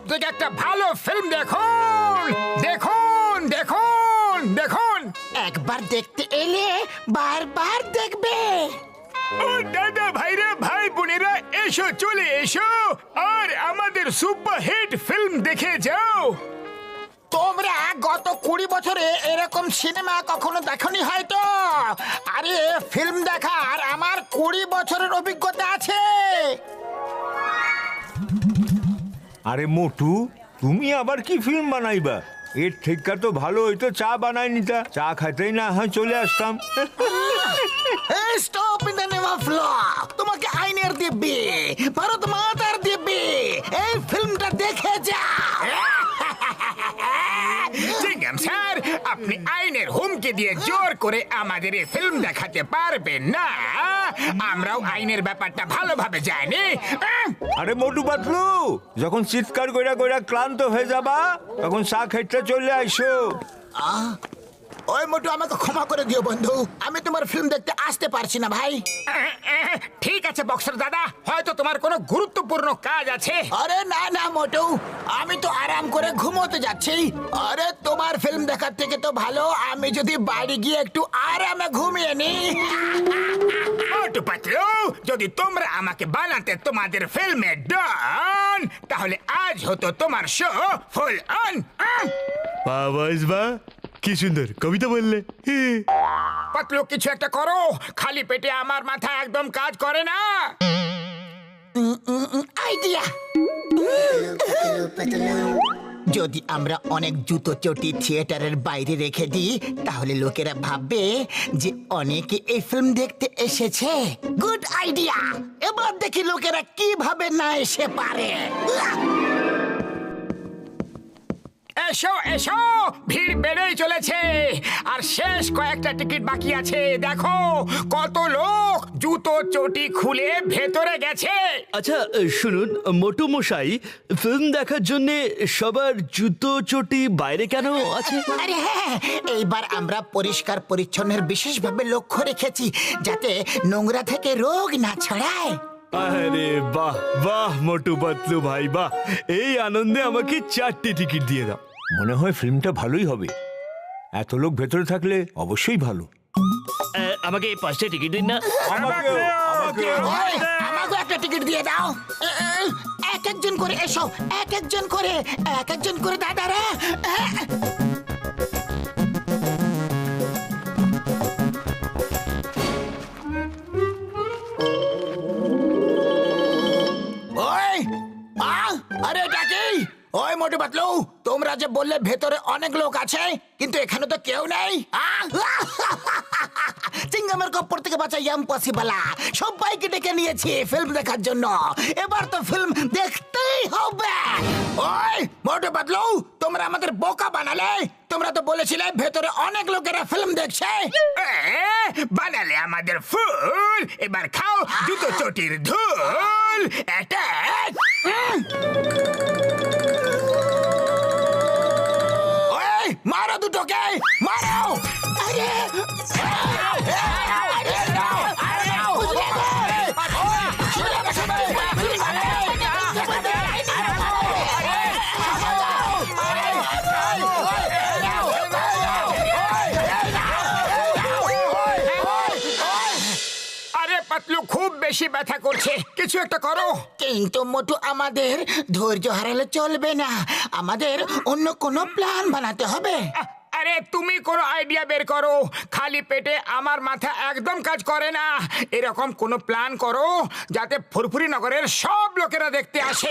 থেকে একটা ভালো ফিল্ম দেখুন দেখুন দেখুন দেখুন। একবার দেখতে এলে বারবার দেখবে। ও দাদা ভাইরা ভাই বোনেরা এসো চলে এসো আর আমাদের সুপারহিট ফিল্ম দেখে যাও। তোমরা গত 20 বছরে এরকম সিনেমা কখনো দেখনি হয়তো। আরে ফিল্ম দেখার আমার 20 বছরের অভিজ্ঞতা আছে। আরে মোটু, তুমি আবার কি ফিল্ম বানাইবা? এর থেকে তো ভালো হইতো চা বানাই নিতা, চা খাইতেই না হয় চলে আসতাম। Stop in the name of law. তোমাকে আইনের দিব্যি, ভারত মাতার দিব্যি, এই ফিল্মটা দেখে যা। জিঙ্গাম স্যার, আপনি আইনের হুমকি দিয়ে জোর করে আমাদের এই ফিল্ম দেখাতে পারবেন না। আমরাও আইনের ব্যাপারটা ভালোভাবে জানি। আরে মোটু পাতলু, যখন চিৎকার কইরা কইরা ক্লান্ত হয়ে যাবা তখন চা খাইতে চলে আইসো। ওই মোটু, আমাকে ক্ষমা করে দিও বন্ধু, আমি তোমার ফিল্ম দেখতে আসতে পারছি না ভাই। ঠিক আছে বক্সার দাদা, হয়তো তোমার কোনো গুরুত্বপূর্ণ কাজ আছে। আরে না না মোটু, আমি তো আরাম করে ঘুমোতে যাচ্ছি। আরে তোমার ফিল্ম দেখার থেকে তো ভালো আমি যদি বাড়ি গিয়ে একটু আরামে ঘুমিয়ে নি। মোটু পাতলু, যদি তোমরা আমাকে বানাতে তোমাদের ফিল্মে ডন, তাহলে আজ হতো তোমার শো ফুল অন। বাবা কি সুন্দর কবিতা বললে। পাতলু, কিছু একটা করো, খালি পেটে আমার মাথা একদম কাজ করে না। আইডিয়া। যদি আমরা অনেক জুতো চটি থিয়েটারের বাইরে রেখে দিই তাহলে লোকেরা ভাববে যে অনেকে এই ফিল্ম দেখতে এসেছে। Good idea. এবার দেখি লোকেরা কিভাবে না এসে পারে। এসো এসো, ভিড় বেড়েই চলেছে আর শেষ কয়েকটা টিকিট বাকি আছে। দেখো কত লোক জুতো চটি খুলে ভেতরে গেছে। আচ্ছা শুনুন মোটু মশাই, ফিল্ম দেখার জন্য সবার জুতো চটি বাইরে কেন আছে? আরে হ্যাঁ, এইবার আমরা পরিষ্কার পরিচ্ছন্নের বিশেষভাবে লক্ষ্য রেখেছি যাতে নোংরা থেকে রোগ না ছড়ায়। আরে বাহ বাহ মোটু পাতলু ভাই বাহ, এই আনন্দে আমাকে 4টে টিকিট দিয়ে দাও। মনে হয় ফিল্মটা ভালোই হবে, এত লোক ভেতরে থাকলে অবশ্যই ভালো। আমাকে 5টে টিকিট দিন না। ওই, আমাকেও একটা টিকিট দিয়ে দাও। এক একজন করে এসো, এক একজন করে দাদারা। ওই আরে এটা কি? ওই মোটু পাতলু, তোমরা যে বললে ভেতরে অনেক লোক আছে কিন্তু এখানে তো কেউ নেই। চিংগামের কপ্পর থেকে বাঁচা ইম্পসিবল। সবাইকে ডেকে নিয়েছি ফিল্ম দেখার জন্য, এবার তো ফিল্ম দেখতেই হবে। ওই মোটু পাতলু, তোমরা আমাদের বোকা বানালে। তোমরা তো বলেছিলে ভেতরে অনেক লোকেরা ফিল্ম দেখছে। বানালে আমাদের ফুল, এবার খাও জুতো চটির ধুল। অ্যাটাক! ওই মারো দুটোকে, মারো। আরে পাতলু, খুব বেশি ব্যথা করছে, কিছু একটা করো। কিন্তু মোটু, আমাদের ধৈর্য হারালে চলবে না, আমাদের অন্য কোনো প্ল্যান বানাতে হবে। আরে তুমি কোনো আইডিয়া বের করো, খালি পেটে আমার মাথা একদম কাজ করে না। এরকম কোনো প্ল্যান করো যাতে ফুরফুরি নগরের সব লোকেরা দেখতে আসে।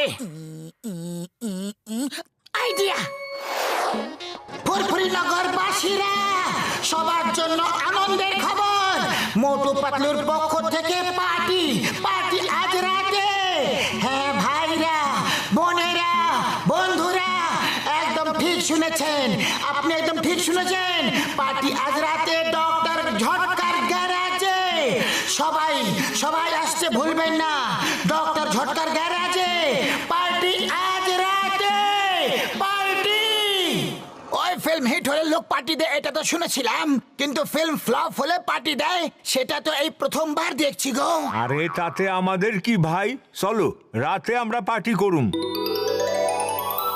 আইডিয়া। ফুরফুরি নগরবাসীরা, সবার জন্য আনন্দের খবর। মোটু পাতলুর পক্ষ থেকে পার্টি আজ রাতে। হ্যাঁ ভাইরা, বোনেরা, বন্ধুরা, একদম ঠিক শুনেছেন, আপনি একদম ঠিক শুনেছেন। পার্টি আজ রাতে ডক্টর ঝটকার গ্যারাজে। সবাই আসতে ভুলবেন না, ডক্টর ঝটকার গ্যারাজে পার্টি আজ রাতে। পার্টি। ওই ফিল্ম হিট হলে লোক পার্টি দেয় এটা তো শুনেছিলাম, কিন্তু ফিল্ম ফ্লপ হলে পার্টি দেয় সেটা তো এই প্রথমবার দেখছি গো। আরে তাতে আমাদের কি ভাই, চলো রাতে আমরা পার্টি করুম।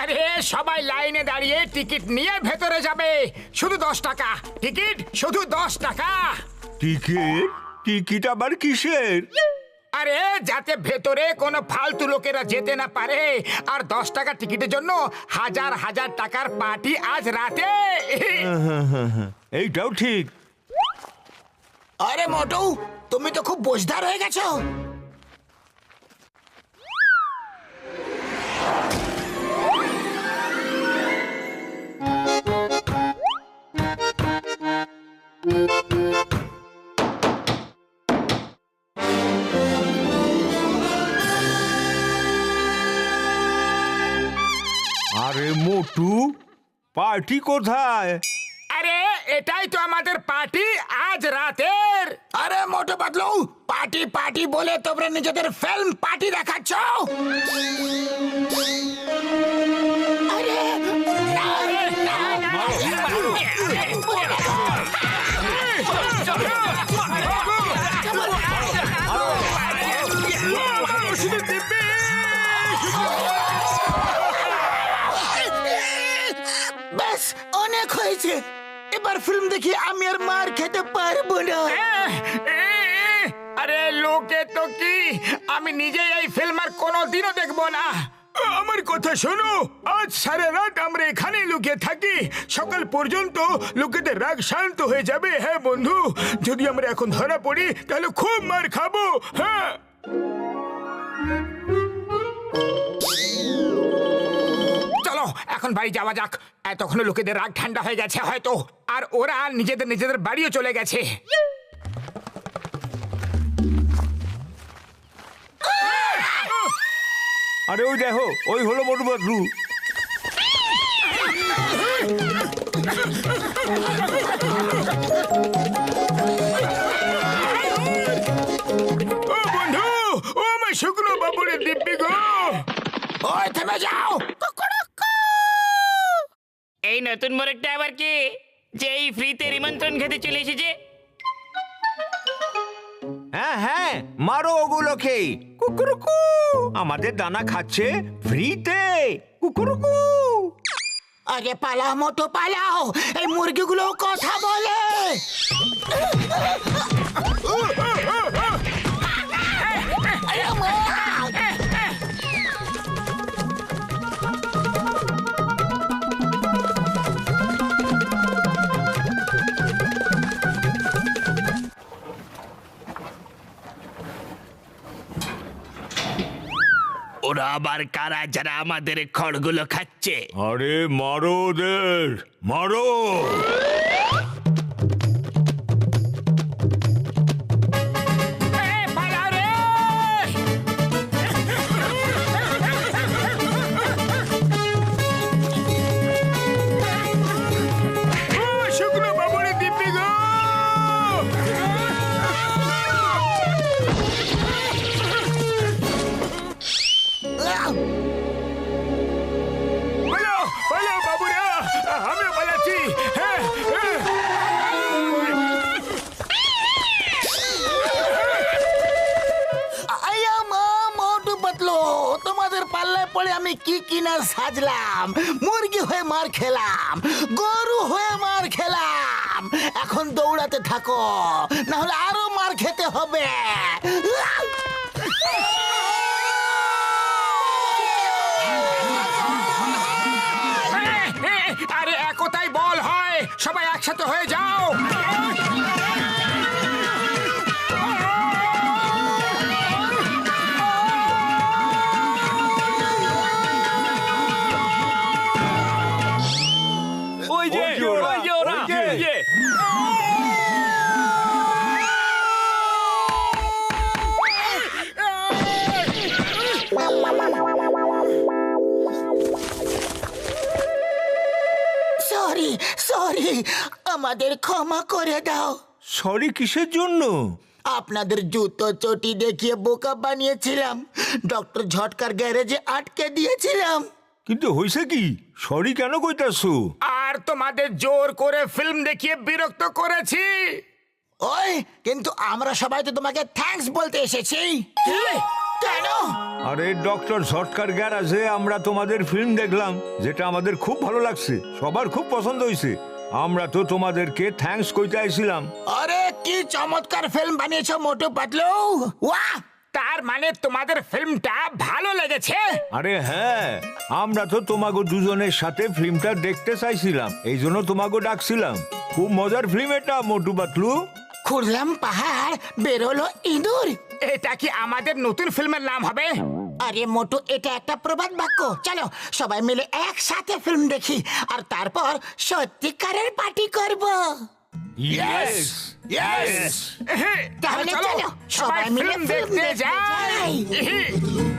আরে সবাই লাইনে দাঁড়িয়ে টিকিট নিয়ে ভেতরে যাবে, শুধু 10 টাকা টিকিট, শুধু 10 টাকা। টিকিট? টিকিট আবার কিসের? আরে যাতে ভেতরে কোনো ফালতু লোকেরা যেতে না পারে, আর 10 টাকা টিকিটের জন্য হাজার হাজার টাকার পার্টি আজ রাতে। এইটাও ঠিক। আরে মোটু, তুমি তো খুব বোঝদার হয়ে গেছো। আরে মোটু, পার্টি কোথায়? আরে এটাই তো আমাদের পার্টি আজ রাতের। আরে মোটু পাতলু, পার্টি পার্টি বলে তোমরা নিজেদের ফিল্ম পার্টি দেখাচ্ছ। আরে ব্যাস, অনেক হয়েছে। এবার ফিল্ম দেখি আমি আর মার খেতে পারবো না। আরে লোকে তো কি, আমি নিজেই এই ফিল্ম আর কোনোদিনও দেখবো না। আমার কথা শোনো, আজ সারা রাত আমরা এখানেই লুকিয়ে থাকি, সকাল পর্যন্ত লোকেদের রাগ শান্ত হয়ে যাবে। হ্যাঁ বন্ধু, যদি আমরা এখন ধরা পড়ি তাহলে খুব মার খাবো। হ্যাঁ চলো এখন বাড়ি যাওয়া যাক, এতক্ষণ লোকেদের রাগ ঠান্ডা হয়ে গেছে হয়তো, আর ওরা নিজেদের বাড়িও চলে গেছে। আরে ওই দেখো, ওই হলো মোটু পাতলু। ও বন্ধু, ও আমার শুকনো বাবুরের দিব্যি গো। ওই থেমে যাও। এই নতুন মোরগটা আবার কি, যে এই ফ্রিতে নিমন্ত্রণ খেতে চলে এসেছে? হ্যাঁ হ্যাঁ, মারো ওগুলোকে। কুকুরুকু, আমাদের দানা খাচ্ছে ফ্রিতে। কুকুরুকু। আরে পালাও মোটু পালাও, এই মুরগিগুলো কথা বলে। ওরা আবার কারা যারা আমাদের খড়গুলো খাচ্ছে? আরে মারো ওদের, মারো। শুকনো বাবুরের দিব্যি গো। পালাও পালাও বাবুরা, আমিও পালাচ্ছি। হ্যাঁ আয়া মা মোটু পাতলু, তোমাদের পাল্লায় পড়ে আমি কি কিনা সাজলাম। মুরগি হয়ে মার খেলাম, গরু হয়ে মার খেলাম। এখন দৌড়াতে থাকো, না হলে আরো মার খেতে হবে। আরে একতাই বল হয়, সবাই একসাথে হয়ে যাও। ওই যে ওরা, ওই যে ওরা, ওই যে। সরি সরি, আমাদের ক্ষমা করে দাও। সরি কিসের জন্য? আপনাদের জুতো চটি দেখিয়ে বোকা বানিয়েছিলাম, ডক্টর ঝটকার গ্যারেজে আটকে দিয়েছিলাম। কিন্তু হইছে কি? সরি কেন কইতাছো? আর তোমাদের জোর করে ফিল্ম দেখিয়ে বিরক্ত করেছি। ওই কিন্তু আমরা সবাই তো তোমাকে থ্যাঙ্কস বলতে এসেছি। কেন? আরে ডক্টর সরকার গ্যারাজে আমরা তোমাদের ফিল্ম দেখলাম, যেটা আমাদের খুব ভালো লাগছে, সবার খুব পছন্দ হয়েছে। আমরা তো তোমাদেরকে থ্যাঙ্কস কইতে আইছিলাম। আরে কি চমৎকার ফিল্ম বানিয়েছো মোটু পাতলু, ওয়াহ! তার মানে তোমাদের ফিল্মটা ভালো লেগেছে? আরে হ্যাঁ, আমরা তো তোমাগো দুজনের সাথে ফিল্মটা দেখতে চাইছিলাম, এই জন্য তোমাগো ডাকছিলাম। খুব মজার ফিল্ম এটা মোটু পাতলু। খুঁড়লাম পাহাড়, বেরোলো ইঁদুর। এটা কি আমাদের নতুন ফিল্মের নাম হবে? আরে মোটু, এটা একটা প্রবাদ বাক্য। চলো সবাই মিলে একসাথে ফিল্ম দেখি, আর তারপর সত্যিকারের পার্টি করব। ইয়েস ইয়েস, তাহলে চলো সবাই মিলে ফিল্ম ফিল্ম দেখতে দেখতে যাই। যাই।